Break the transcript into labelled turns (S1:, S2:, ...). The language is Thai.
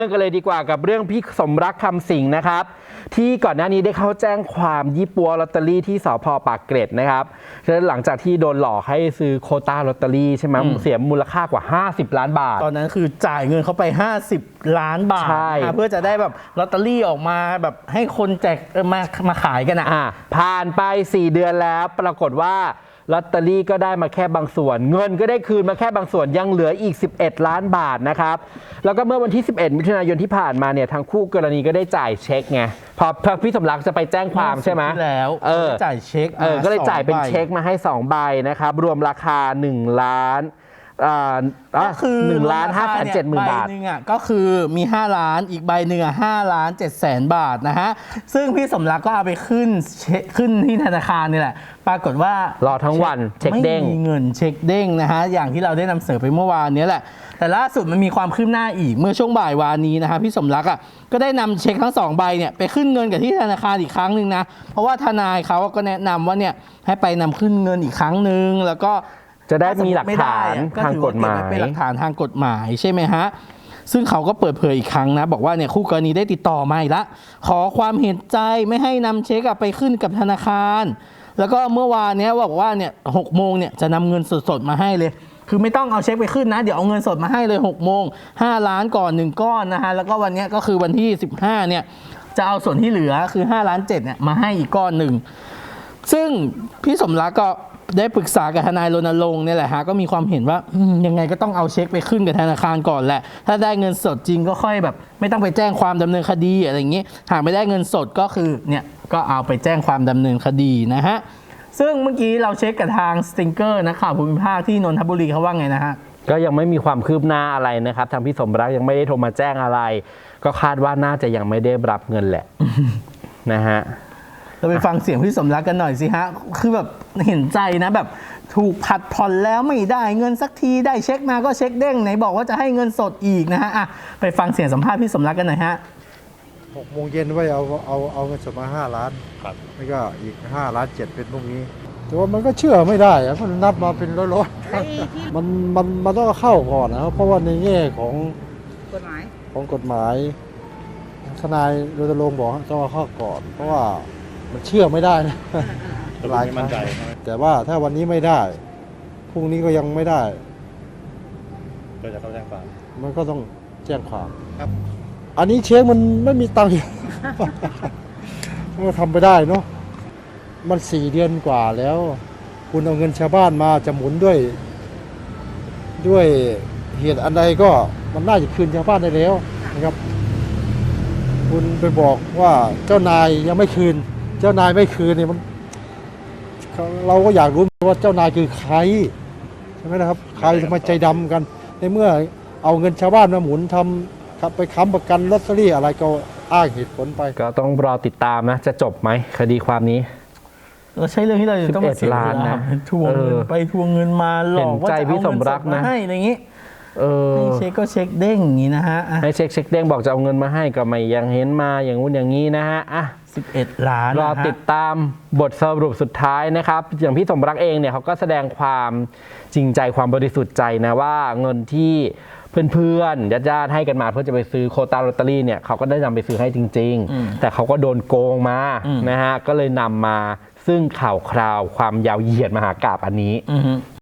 S1: เรื่องกันเลยดีกว่ากับเรื่องพี่สมรักคำสิงห์นะครับที่ก่อนหน้านี้ได้เข้าแจ้งความยี่ปัวลอตเตอรี่ที่สภ.ปากเกร็ดนะครับหลังจากที่โดนหลอกให้ซื้อโควต้าลอตเตอรี่ใช่ไหมเสียมูลค่ากว่า50 ล้านบาท
S2: ตอนนั้นคือจ่ายเงินเขาไป50 ล้านบาทเพื่อจะได้แบบลอตเตอรี่ออกมาแบบให้คนแจกมาขายกัน
S1: ผ่านไป4 เดือนแล้วปรากฏว่าลอตเตอรี่ก็ได้มาแค่บางส่วนเงินก็ได้คืนมาแค่บางส่วนยังเหลืออีก11 ล้านบาทนะครับแล้วก็เมื่อวันที่11 มิถุนายนที่ผ่านมาเนี่ยทางคู่กรณีก็ได้จ่ายเช็คไงพอพี่สมรักจะไปแจ้งความใช่ไหม
S2: แล้วจ่ายเช็ค
S1: ก็เลยจ่ายเป็นเช็คมาให้2 ใบนะครับรวมราคา1 ล้าน
S2: ก็คือ
S1: 1,570,000 บาท
S2: ใบหนึ่งก็คือมี5 ล้านอีกใบหนึ่ง5,700,000 บาทนะฮะซึ่งพี่สมรักก็เอาไปขึ้นที่ธนาคารนี่แหละปรากฏว่าร
S1: อทั้งวันเช็คเด้ง
S2: ไม่มีเงินเช็คเด้งนะฮะอย่างที่เราได้นำเสนอไปเมื่อวานนี้แหละแต่ล่าสุดมันมีความคืบหน้าอีกเมื่อช่วงบ่ายวานนี้นะฮะพี่สมรักก็ได้นำเช็คทั้ง2 ใบเนี่ยไปขึ้นเงินกับที่ธนาคารอีกครั้งหนึ่งนะเพราะว่าทนายเขาก็แนะนำว่าเนี่ยให้ไปนำขึ้นเงินอีกครั้งหนึ่งแล้วก็
S1: จะได้มีหลักฐานทางกฎหมาย
S2: เป็นหลักฐานทางกฎหมายใช่ไหมฮะซึ่งเขาก็เปิดเผยอีกครั้งนะบอกว่าเนี่ยคู่กรณีได้ติดต่อมาอีกแล้วขอความเห็นใจไม่ให้นำเช็คไปขึ้นกับธนาคารแล้วก็เมื่อวานนี้บอกว่าเนี่ย6 โมงเนี่ยจะนำเงินสดๆมาให้เลยคือไม่ต้องเอาเช็คไปขึ้นนะเดี๋ยวเอาเงินสดมาให้เลย6 โมง5 ล้านก่อน1 ก้อนนะฮะแล้วก็วันนี้ก็คือวันที่15เนี่ยจะเอาส่วนที่เหลือคือ5.7 ล้านเนี่ยมาให้อีกก้อนหนึ่งซึ่งพี่สมรักก็ได้ปรึกษากับทนายรณรงค์เนี่ยแหละฮะก็มีความเห็นว่ายังไงก็ต้องเอาเช็คไปขึ้นกับธนาคารก่อนแหละถ้าได้เงินสดจริงก็ค่อยแบบไม่ต้องไปแจ้งความดำเนินคดีอะไรอย่างนี้หากไม่ได้เงินสดก็คือเนี่ยก็เอาไปแจ้งความดำเนินคดีนะฮะซึ่งเมื่อกี้เราเช็คกับทางสติงเกอร์นักข่าวภูมิภาคที่นนทบุรีเขาว่าไงนะฮะ
S1: ก็ยังไม่มีความคืบหน้าอะไรนะครับทางพี่สมรักยังไม่ได้โทรมาแจ้งอะไรก็คาดว่าน่าจะยังไม่ได้รับเงินแหละนะฮะ
S2: เราไปฟังเสียงพี่สมรักกันหน่อยสิฮะคือแบบเห็นใจนะแบบถูกผัดผ่อนแล้วไม่ได้เงินสักทีได้เช็คมาก็เช็คเด้งไหนบอกว่าจะให้เงินสดอีกนะฮะไปฟังเสียงสัมภาษณ์พี่สมรักกันหน่อยฮะ
S3: 6 โมงเย็นไว้เอาเงินสดมา5 ล้านครับแล้วก็อีก5.7 ล้านเป็นพวกนี้แต่ว่ามันก็เชื่อไม่ได้มันนับมาเป็นร้อยๆมันต้องเข้าก่อนนะครับเพราะว่าในแง่ของกฎหมายทนายรณรงค์บอกต้องเข้าก่อนเพราะว่ามันเชื่อไม่ได้นะหลายครั้งแต่ว่าถ้าวันนี้ไม่ได้พรุ่งนี้ก็ยังไม่ได้ก็จะเข้าแจ้งความมันก็ต้องแจ้งความครับอันนี้เช็คมันไม่มีตังค์มันทำไปได้เนาะมัน4 เดือนกว่าแล้วคุณเอาเงินชาวบ้านมาจะหมุนด้วยเหตุอันใดก็มันน่าจะคืนชาวบ้านได้แล้วนะครับคุณไปบอกว่าเจ้านายยังไม่คืนเจ้านายไม่คืนเนี่ยมันเราก็อยากรู้ว่าเจ้านายคือใครใช่ไหมนะครับใครทำไมใจดำกันในเมื่อเอาเงินชาวบ้านมาหมุนทำไปค้ำประกันลอตเตอรี่อะไรก็อ้างเหตุผลไป
S1: ก็ต้องรอติดตามนะจะจบไหมคดีความนี้
S2: เราใช้เรื่องที่เราต้องมาเสียเวลาทวงเงินไปทวงเงินมาหลอกว่าจะเอาเงินสดมาให้อะไรอย่างนี้ให้เช็คก็เช็คเด้งอย่างนี้นะฮะ
S1: ให้เช็คเด้งบอกจะเอาเงินมาให้ก็ไม่ยังเห็นมาอย่างงู้นอย่างนี้นะฮะ
S2: 11 ล้าน
S1: รอติดตามบทสรุปสุดท้ายนะครับอย่างพี่สมรักเองเนี่ยเขาก็แสดงความจริงใจความบริสุทธิ์ใจนะว่าเงินที่เพื่อนๆญาติๆให้กันมาเพื่อจะไปซื้อโควต้าลอตเตอรี่เนี่ยเขาก็ได้นำไปซื้อให้จริงๆแต่เขาก็โดนโกงมานะฮะก็เลยนำมาซึ่งข่าวคราวความยาวเหยียดมหากาพย์อันนี้